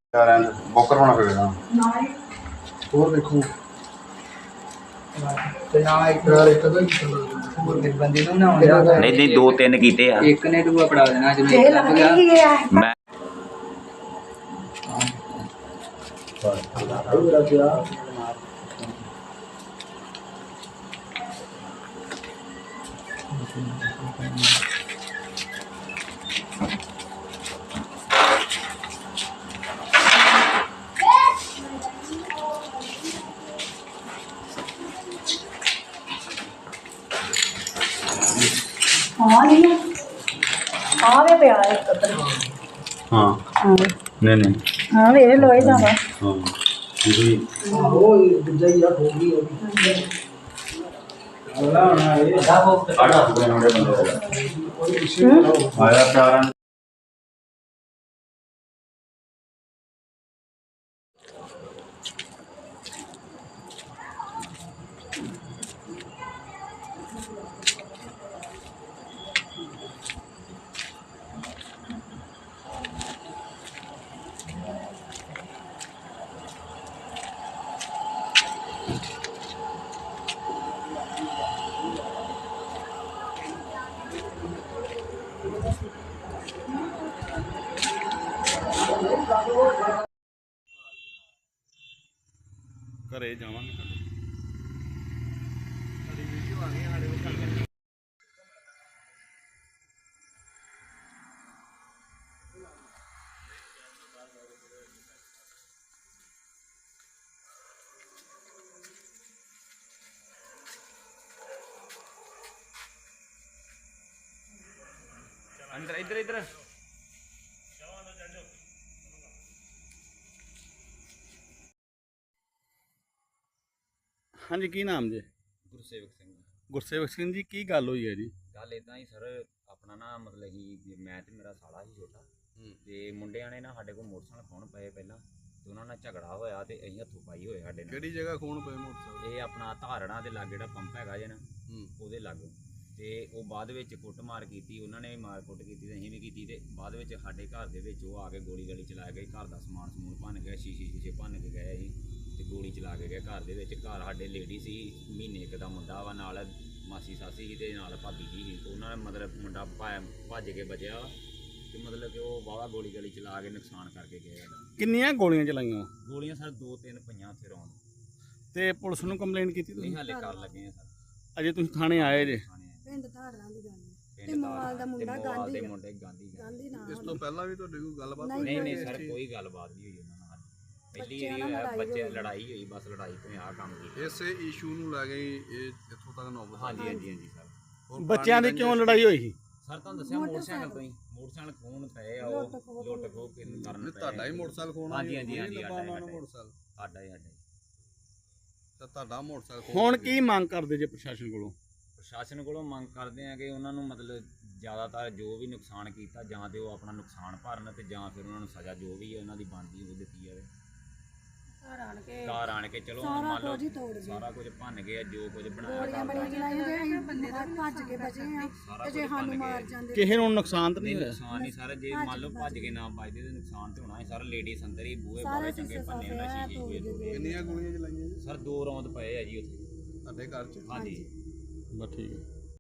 ਬੋਕਰ ਹੋਣਾ ਪਵੇਗਾ ਹੋਰ ਦੇਖੋ ਤੇ ਨਾ ਇੱਕ ਬੰਦੇ ਨੂੰ ਨਾ ਨਹੀਂ ਨਹੀਂ ਦੋ ਤਿੰਨ ਕੀਤੇ ਆ ਇੱਕ ਨੇ ਦੂਆ ਪੜਾ ਦੇਣਾ ਜਦੋਂ ਇੱਕ ਲੱਗ ਗਿਆ ਮੈਂ हाँ नहीं हाँ वे पे आए कदर हाँ हाँ नहीं नहीं हाँ वे लोए जावा हाँ जी वो दूजा ही हो गई वाला ना ये दाबो आड़ा बंदे आया प्यारा ਘਰੇ ਜਾਵਾਂਗੇ ਸਾਡੀ ਵੀਡੀਓ ਆ ਗਈ ਸਾਡੇ ਕੋਲ ਚੱਲ ਅੰਦਰ ਇੱਧਰ ਇੱਧਰ ਹਾਂਜੀ ਕੀ ਨਾਮ ਜੀ ਗੁਰਸੇਵਕ ਸਿੰਘ ਗੁਰਸੇਵਕ ਸਿੰਘ ਜੀ ਕੀ ਗੱਲ ਹੋਈ ਹੈ ਜੀ ਗੱਲ ਇਦਾਂ ਹੀ ਸਰ ਆਪਣਾ ਨਾ ਮਤਲਬ ਕਿ ਮੈਂ ਤੇ ਮੇਰਾ ਸਾਲਾ ਸੀ ਛੋਟਾ ਤੇ ਮੁੰਡਿਆਂ ਨੇ ਨਾ ਸਾਡੇ ਕੋਲ ਮੋਟਰਸਾਈਕਲ ਖੋਣ ਪਏ ਪਹਿਲਾਂ ਤੇ ਉਹਨਾਂ ਨਾਲ ਝਗੜਾ ਹੋਇਆ ਤੇ ਅਸੀਂ ਹੱਥੋਂ ਪਾਈ ਹੋਏ ਸਾਡੇ ਨਾਲ ਕਿਹੜੀ ਜਗ੍ਹਾ ਖੂਨ ਪਏ ਮੋਟਰਸਾਈਕਲ ਇਹ ਆਪਣਾ ਧਾਰਣਾ ਦੇ ਲਾਗੇ ਜਿਹੜਾ ਪੰਪ ਹੈਗਾ ਜੇ ਨਾ ਉਹਦੇ ਲਾਗੇ ਤੇ ਉਹ ਬਾਅਦ ਵਿੱਚ ਕੁੱਟਮਾਰ ਕੀਤੀ ਉਹਨਾਂ ਨੇ ਵੀ ਮਾਰ ਕੁੱਟ ਕੀਤੀ ਤੇ ਅਸੀਂ ਵੀ ਕੀਤੀ ਤੇ ਬਾਅਦ ਵਿੱਚ ਸਾਡੇ ਘਰ ਦੇ ਵਿੱਚ ਉਹ ਆ ਕੇ ਗੋਲੀ ਗਲੀ ਚਲਾ ਗਏ ਘਰ ਦਾ ਸਮਾਨ ਸਮੂਨ ਭੰਨ ਗਿਆ ਸ਼ੀਸ਼ੇ ਭੰਨ ਕੇ ਗਏ ਅਸੀਂ ਤੇ ਗੋਲੀ ਚਲਾ ਕੇ ਗਏ ਘਰ ਦੇ ਵਿੱਚ ਘਰ ਸਾਡੇ ਲੇਡੀ ਸੀ ਮਹੀਨੇ ਇੱਕ ਦਾ ਮੁੰਡਾ ਵਾ ਨਾਲ ਮਾਸੀ ਸਾਸੀ ਸੀ ਤੇ ਨਾਲ ਭਾਬੀ ਜੀ ਸੀ ਉਹਨਾਂ ਨੇ ਮਤਲਬ ਮੁੰਡਾ ਭੱਜ ਕੇ ਬਚਿਆ ਤੇ ਮਤਲਬ ਕਿ ਉਹ ਵਾਹਵਾ ਗੋਲੀ ਗਲੀ ਚਲਾ ਕੇ ਨੁਕਸਾਨ ਕਰਕੇ ਗਏ ਕਿੰਨੀਆਂ ਗੋਲੀਆਂ ਚਲਾਈਆਂ ਗੋਲੀਆਂ ਸਰ 2-3 ਪਈਆਂ ਉੱਥੇ ਰੌਣ ਤੇ ਪੁਲਿਸ ਨੂੰ ਕੰਪਲੇਂਟ ਕੀਤੀ ਨਹੀਂ ਤੁਸੀਂ ਹਾਲੇ ਕਰ ਲੱਗੇ ਆ ਸਰ ਅਜੇ ਤੁਸੀਂ ਥਾਣੇ ਆਏ ਜੇ ਪਿੰਡ ਧਾਰਾਂ ਦੀ ਗੱਲ ਤੇ ਮੋਵਾਲ ਦਾ ਮੁੰਡਾ ਗਾਂਧੀ ਗਾਂਧੀ ਮੁੰਡੇ ਗਾਂਧੀ ਨਾ ਇਸ ਤੋਂ ਪਹਿਲਾਂ ਵੀ ਤੁਹਾਡੀ ਕੋਈ ਗੱਲਬਾਤ ਨਹੀਂ ਨਹੀਂ ਸਰ ਕੋਈ ਗੱਲਬਾਤ ਨਹੀਂ ਹੋਈ ਉਹਨਾਂ ਨਾਲ ਪਹਿਲੀ ਵਾਰੀ ਹੋਇਆ ਬੱਚੇ ਲੜਾਈ ਹੋਈ ਬਸ ਲੜਾਈ ਤੋਂ ਆ ਕੰਮ ਕੀਤਾ ਇਸੇ ਇਸ਼ੂ ਨੂੰ ਲੈ ਕੇ ਇਹ ਇੱਥੋਂ ਤੱਕ ਨੌਬਤ ਹਾਂਜੀ ਹਾਂਜੀ ਹਾਂਜੀ ਸਰ ਬੱਚਿਆਂ ਦੀ ਕਿਉਂ ਲੜਾਈ ਹੋਈ ਸੀ ਸਰ ਤੁਹਾਨੂੰ ਦੱਸਿਆ ਮੋਟਰਸਾਈਕਲ ਤੋਂ ਹੀ ਮੋਟਰਸਾਈਕਲ ਖੋਣ ਪਏ ਆ ਉਹ ਲੁੱਟ ਖੋਹ ਕਰਨ ਪਏ ਤੁਹਾਡਾ ਹੀ ਮੋਟਰਸਾਈਕਲ ਖੋਣਾ ਹਾਂਜੀ ਹਾਂਜੀ ਹਾਂਜੀ ਮੋਟਰਸਾਈਕਲ ਸਾਡਾ ਹੀ ਤਾਂ ਤੁਹਾਡਾ ਮੋਟਰਸਾਈਕਲ ਹੁਣ ਕੀ ਮੰਗ ਕਰਦੇ ਜੇ ਪ੍ਰਸ਼ਾਸਨ ਕੋਲੋਂ ਪ੍ਰਸ਼ਾਸਨ ਕੋਲੋਂ ਮੰਗ ਕਰਦੇ ਆ ਕਿ ਉਹਨਾਂ ਨੂੰ ਮਤਲਬ ਜ਼ਿਆਦਾਤਰ ਜੋ ਵੀ ਨੁਕਸਾਨ ਕੀਤਾ ਜਾਂ ਤੇ ਉਹ ਆਪਣਾ ਨੁਕਸਾਨ ਭਰਨ ਤੇ ਜਾਂ ਫਿਰ ਉਹਨਾਂ ਨੂੰ ਸਜ਼ਾ ਜੋ ਵੀ ਹੈ ਉਹਨਾਂ ਦੀ ਬਣਦੀ ਉਹ ਦਿੱਤੀ ਜਾਵੇ ਘਰ ਆਣ ਕੇ ਚਲੋ ਮੰਨ ਲਓ ਸਾਰਾ ਕੁਝ ਭੰਨ ਗਏ ਜੋ ਕੁਝ ਬਣਾਇਆ ਭੱਜ ਕੇ ਬਚੇ ਆ ਤੇ ਜੇ ਸਾਨੂੰ ਮਾਰ ਜਾਂਦੇ ਕਿਸੇ ਨੂੰ ਨੁਕਸਾਨ ਤਾਂ ਨਹੀਂ ਹੋਇਆ ਨੁਕਸਾਨ ਨਹੀਂ ਸਾਰਾ ਜੇ ਮੰਨ ਲਓ ਭੱਜ ਕੇ ਨਾ ਬਚਦੇ ਤੇ ਨੁਕਸਾਨ ਤੇ ਹੋਣਾ ਸੀ ਸਾਰਾ ਲੇਡੀਜ਼ ਅੰਦਰ ਹੀ ਬੂਹੇ ਬਾਰੇ ਚੰਗੇ ਭੰਨੇ ਉਹਨਾਂ ਸ਼ੀਸ਼ੇ ਹੋਏ ਕਿੰਨੀਆਂ ਗੋਲੀਆਂ ਚਲਾਈਆਂ ਜੀ ਸਰ 2 ਰੌਂਦ ਪਏ ਆ ਜੀ ਉੱਥੇ ਤੁਹਾਡੇ ਘਰ 'ਚ ਹਾਂਜੀ ਬਸ ਠੀਕ ਹੈ